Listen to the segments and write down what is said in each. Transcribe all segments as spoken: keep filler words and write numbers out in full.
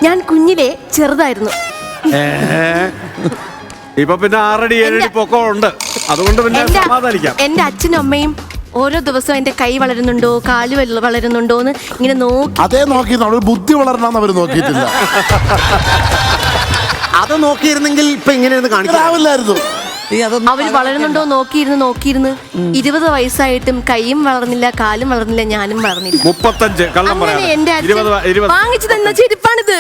ഞാൻ കുഞ്ഞിലെ ചെറുതായിരുന്നു. ഇപ്പൊ പിന്നെ ആറടി ഏഴടി പൊക്കം ഉണ്ട്, അതുകൊണ്ട് പിന്നെ സമാധാനിക്കാം. എന്റെ അച്ഛനും അമ്മയും ഓരോ ദിവസവും എന്റെ കൈ വളരുന്നുണ്ടോ കാല് വളരുന്നുണ്ടോ എന്ന് ഇങ്ങനെ നോക്കി. അതേ നോക്കി ബുദ്ധി വളരണമെന്ന് അവര് നോക്കിയിട്ടില്ല. അത് നോക്കിയിരുന്നെങ്കിൽ ഇപ്പൊ ഇങ്ങനെ കാണിക്കാവില്ലായിരുന്നു. അവര് വളരുന്നുണ്ടോ നോക്കിയിരുന്ന് നോക്കിയിരുന്ന് ഇരുപത് വയസ്സായിട്ടും കൈയും വളർന്നില്ല കാലും വളർന്നില്ല ഞാനും വളർന്നില്ല. മുപ്പത്തഞ്ച് കള്ളം പറയാം. എന്റെ അച്ഛൻ വാങ്ങിച്ചു തന്ന ചെരുപ്പാണിത്.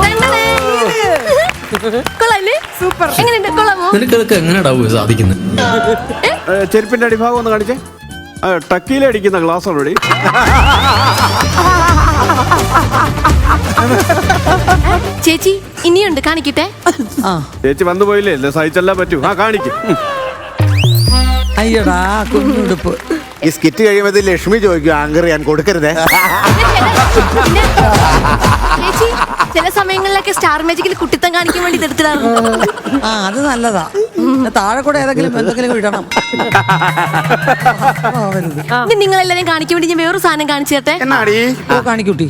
സൂപ്പർ. എങ്ങനെയുണ്ട്? കൊള്ളാമോ? നിനക്ക് എങ്ങനെയാ സാധിക്കുന്നത്? ചെരുപ്പിന്റെ അടിഭാഗം ഒന്ന് കാണിച്ചേ. ടക്കിയിലെ അടിക്കുന്ന ഗ്ലാസ് ഓൾറെഡി. ചേച്ചി ഇനിയുണ്ട്, കാണിക്കട്ടെ. ചേച്ചി വന്നു പോയില്ലേ, സഹിച്ചെല്ലാം പറ്റൂ. ആ കാണിക്കും. അയ്യടാ കുഞ്ഞുടുപ്പ്. ഈ സ്കിറ്റ് കഴിയുമ്പോൾ ലക്ഷ്മി ചോദിക്കും ആങ്കർ ഞാൻ കൊടുക്കരുതേ. ചേച്ചി ചില സമയങ്ങളിലൊക്കെ സ്റ്റാർ മാജിക്കിൽ കുട്ടിത്തം കാണിക്കാൻ വേണ്ടി എടുത്തിടാറുണ്ട്. ആ അത് നല്ലതാ. താഴെ കൂടെ ഏതെങ്കിലും എന്തെങ്കിലും ഇടണം. നിങ്ങൾ എല്ലാരും കാണിക്കാൻ വേണ്ടി ഞാൻ വേറൊരു സാധനം കാണിച്ചു തരട്ടെ. എന്നാടി കാണിക്കൂട്ടി.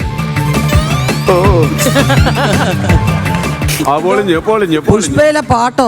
പുഷ്പയിലെ പാട്ടോ?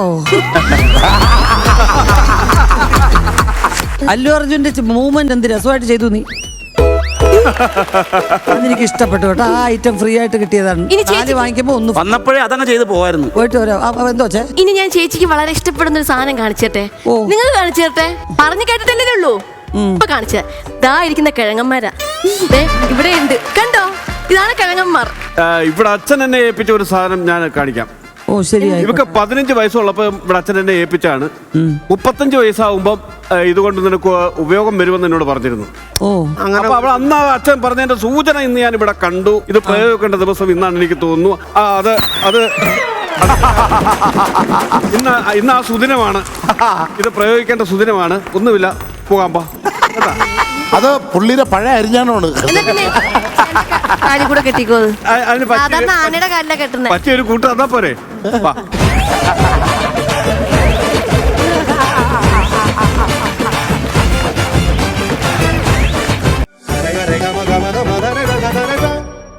അല്ലു അർജുന്റെ മൂവ്മെന്റ് എന്ത് രസമായിട്ട് ചെയ്തു നീ. അതെനിക്ക് ഇഷ്ടപ്പെട്ടു കേട്ടോ. ആ ഐറ്റം ഫ്രീ ആയിട്ട് കിട്ടിയതാണ്. ഇനി വാങ്ങിക്കുമ്പോ ഒന്ന് വന്നപ്പോഴേ അതങ്ങ് ചെയ്ത് പോവായിരുന്നു. പോയിട്ട് വരാം. എന്തോ ചേ ഇനി ഞാൻ ചേച്ചിക്ക് വളരെ ഇഷ്ടപ്പെടുന്ന ഒരു സാധനം കാണിച്ചു തരട്ടെ. നിങ്ങൾ കാണിച്ചു തരട്ടെ. പറഞ്ഞു കേട്ടിട്ടല്ലേ ഉള്ളൂ. ഇപ്പൊ കാണിച്ച ദാ ഇരിക്കുന്ന കിഴങ്ങന്മാരാ ഇവിടെ ഉണ്ട്, കണ്ടോ? ഇതാണ് കിഴങ്ങന്മാർ. ഇവിടെ അച്ഛൻ എന്നെ ഏൽപ്പിച്ച ഒരു സാധനം ഞാൻ കാണിക്കാം. ഓ ശരിയായി. ഇവക്ക് പതിനഞ്ച് വയസ്സുള്ളപ്പോ ഇവിടെ അച്ഛൻ എന്നെ ഏൽപ്പിച്ചാണ്. മുപ്പത്തഞ്ച് വയസ്സാവുമ്പം ഇതുകൊണ്ട് നിനക്ക് ഉപയോഗം വരുമെന്ന് എന്നോട് പറഞ്ഞിരുന്നു. ഓ അങ്ങനെ അവൾ അന്ന് അച്ഛൻ പറഞ്ഞതിന്റെ സൂചന ഇന്ന് ഞാൻ ഇവിടെ കണ്ടു. ഇത് പ്രയോഗിക്കേണ്ട ദിവസം ഇന്നാണ് എനിക്ക് തോന്നുന്നു. ആ അത് അത് ഇന്ന് ഇന്ന് ആ സുദിനമാണ്. ഇത് പ്രയോഗിക്കേണ്ട സുദിനമാണ്. ഒന്നുമില്ല, പോകാൻ പാ. അത് പുള്ളിയുടെ പഴയ അരിഞ്ഞാണോണ്. കാലിൽ കൂടെ കെട്ടിക്കോ. അതിന് സാധാരണ ആനയുടെ കാലിലാണ് കെട്ടുന്നത്. പറ്റിയൊരു കൂട്ട് തന്നാ പോരെ.